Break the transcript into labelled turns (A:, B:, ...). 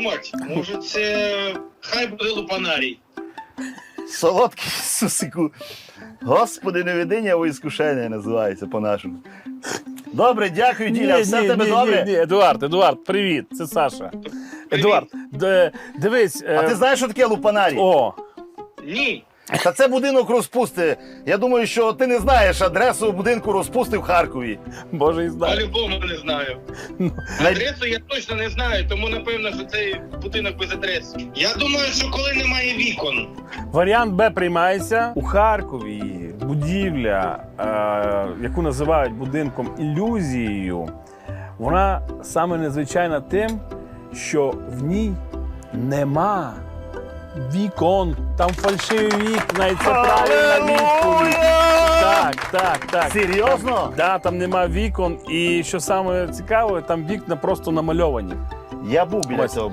A: подумати. Може це хай буде лупанарій.
B: Солодкий сусику. Господи, невидіння у іскушення називається по-нашому. Добре, дякую, Діля. Все в тебе добре?
C: Ні, Едуард, привіт, це Саша. Едуард, дивись.
B: А ти знаєш, що таке лупанарій?
C: О,
A: Ні.
B: Та це будинок розпусти. Я думаю, що ти не знаєш адресу будинку розпусти в Харкові.
C: Боже, і знаю.
A: По-любому не знаю. Адресу я точно не знаю, тому напевно, що цей будинок без адреси. Я думаю, що коли немає вікон.
C: Варіант Б приймається. У Харкові будівля, яку називають будинком ілюзією, вона саме незвичайна тим, що в ній нема вікон. Там фальшиві вікна, і це правильна відповідь. Так.
B: Серйозно?
C: Да, там нема вікон, і що саме цікаве, там вікна просто намальовані.
B: Я був біля
C: Ось.
B: цього